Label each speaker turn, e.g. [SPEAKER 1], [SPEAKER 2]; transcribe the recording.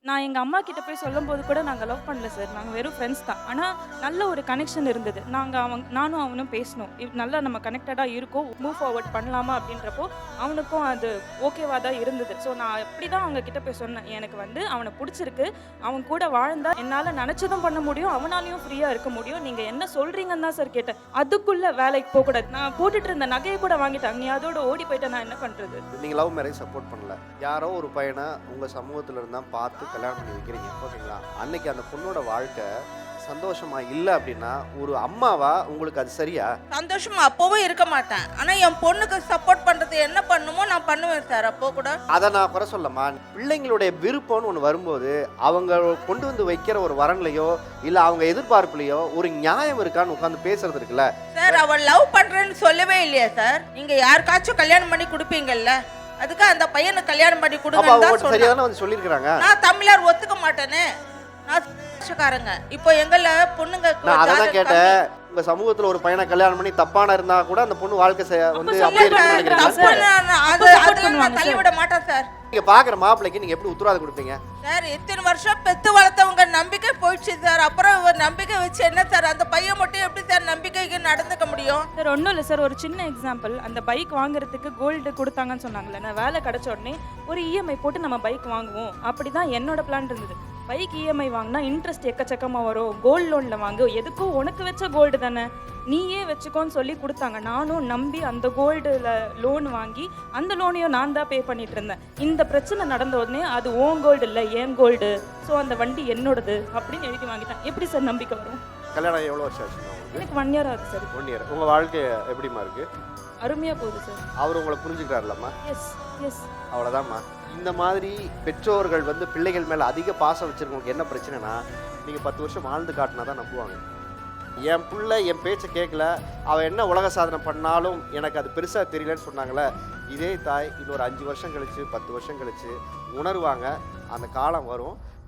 [SPEAKER 1] நான் எங்க அம்மா கிட்ட போய் சொல்லும்போது கூட நாங்க லவ் பண்ணல சார். நாங்க வெறும் ஃப்ரெண்ட்ஸ் தான். ஆனா நல்ல ஒரு கனெக்ஷன் இருந்தது. நானும் அவனும் பேசினோம். நல்லா நம்ம கனெக்டடா இருக்கோம். மூவ் ஃபார்வர்ட் பண்ணலாமா அப்படின்றப்போ அவனுக்கும் அது ஓகேவா தான் இருந்தது. ஸோ நான் அப்படிதான் அவங்க கிட்ட போய் சொன்னேன். எனக்கு வந்து அவன புடிச்சிருக்கு. அவன் கூட வாழ்ந்தா என்னால நெனச்சதும் பண்ண முடியும். அவனாலயும் ஃப்ரீயா இருக்க முடியும். நீங்க என்ன சொல்றீங்கன்னு தான் சார் கேட்டேன். அதுக்குள்ள வேலைக்கு போகக்கூடாது. நான் போட்டுட்டு இருந்த நகையை கூட வாங்கிட்டாங்க. நீ அதோட ஓடி போயிட்ட நான் என்ன பண்றது?
[SPEAKER 2] நீங்க லவ் மேரேஜ் சப்போர்ட் பண்ணல. யாரோ ஒரு பையனை உங்க சமூகத்துல இருந்தா பார்த்து கல்யாணம் பண்ணி வைக்கிறீங்க, ஓகேங்களா? அன்னைக்கு அந்த பொண்ணோட வாழ்க்கை சந்தோஷமா இல்லை அப்படின்னா ஒரு அம்மாவா உங்களுக்கு அது சரியா?
[SPEAKER 3] சந்தோஷமா அப்பவும் இருக்க மாட்டேன். ஆனா என் பொண்ணுக்கு சப்போர்ட் பண்றது என்ன பண்ணுமோ நான் பண்ணுவேன் சார். அப்போ கூட
[SPEAKER 2] அதை நான் குறை சொல்லமா. பிள்ளைங்களுடைய விருப்பம்னு ஒன்று வரும்போது அவங்க கொண்டு வந்து வைக்கிற ஒரு வரன்லையோ இல்லை அவங்க எதிர்பார்ப்புலையோ ஒரு நியாயம் இருக்கான்னு உட்காந்து பேசுறது இருக்குல்ல
[SPEAKER 3] சார். அவள் லவ் பண்றேன்னு சொல்லவே இல்லையா சார்? நீங்க யாருக்காச்சும் கல்யாணம் பண்ணி கொடுப்பீங்கல்ல, அதுக்கு அந்த பையனை கல்யாணம் பண்ணி கொடுங்கன்னு தான் சொன்னாங்க.
[SPEAKER 2] சரியாதானே வந்து சொல்லியிருக்கிறாங்க.
[SPEAKER 3] நான் தமிழர் ஒத்துக்க மாட்டேனே. நான் காரங்க. இப்போ எங்கள பொண்ணுங்க
[SPEAKER 2] நான் அதான் கேட்டேன். உங்க சமூகத்துல ஒரு பையனை கல்யாணம் பண்ணி தப்பான இருந்தா கூட அந்த பொண்ணு வாழ்க்கை வந்து அப்படியே இருக்குன்னு நினைக்கிறீங்க?
[SPEAKER 3] தள்ளிவிட மாட்டேன் சார்.
[SPEAKER 2] நீங்க பாக்குற மாப்பிள்ளைக்கு நீங்க எப்படி உத்தரவாதம் கொடுப்பீங்க
[SPEAKER 3] சார்? இத்தனை வருஷம் பெத்து வளர்த்தவங்க நம்பிக்கை போயிடுச்சு சார். அப்புறம் ஒரு நம்பிக்கை வச்சு என்ன சார்? அந்த பையன் மட்டும் எப்படி சார் நம்பிக்கைக்கு நடந்துக்க முடியும்?
[SPEAKER 1] சார் ஒன்றும் இல்லை சார். ஒரு சின்ன எக்ஸாம்பிள். அந்த பைக் வாங்குறதுக்கு கோல்டு கொடுத்தாங்கன்னு சொன்னாங்கல்ல. நான் வேலை கிடைச்ச உடனே ஒரு இஎம்ஐ போட்டு நம்ம பைக் வாங்குவோம் அப்படிதான் என்னோட பிளான் இருந்தது. பைக் இஎம்ஐ வாங்கினா இன்ட்ரெஸ்ட் எக்கச்சக்கமாக வரும். கோல்டு லோனில் வாங்கு, எதுக்கும் உனக்கு வச்ச கோல்டு தானே, நீயே வச்சுக்கோன்னு சொல்லி கொடுத்தாங்க. நானும் நம்பி அந்த கோல்டில் லோன் வாங்கி அந்த லோனையும் நான் தான் பே பண்ணிட்டு இருந்தேன். இந்த பிரச்சனை நடந்த உடனே அது ஓன் கோல்டு இல்லை ஏன் கோல்டு, ஸோ அந்த வண்டி என்னோடது அப்படின்னு எழுதி வாங்கிட்டேன். எப்படி சார் நம்பிக்கை வரும்?
[SPEAKER 2] கல்யாணம் எவ்வளோ வருஷம் ஆச்சு?
[SPEAKER 1] எனக்கு 1 year ஆகுது சார்.
[SPEAKER 2] 1 year. உங்க வாழ்க்கை எப்படிமா இருக்கு?
[SPEAKER 1] அருமையாக போகுது சார்.
[SPEAKER 2] அவர் உங்களை புரிஞ்சுக்கிறாருலம்மா?
[SPEAKER 1] S S.
[SPEAKER 2] அவ்வளோதாம்மா. இந்த மாதிரி பெற்றோர்கள் வந்து பிள்ளைகள் மேலே அதிக பாசம் வச்சுருக்கவங்களுக்கு என்ன பிரச்சனைனா, நீங்கள் 10 வருஷம் வாழ்ந்து காட்டினா தான் நம்புவாங்க. என் பிள்ளை என் பேச்சை கேட்கல, அவள் என்ன உலக சாதனை பண்ணாலும் எனக்கு அது பெருசாக தெரியலன்னு சொன்னாங்களே, இதே தாய் இன்னொரு 5 வருஷம் கழித்து 10 வருஷம் கழித்து உணர்வாங்க. அந்த காலம் வரும்.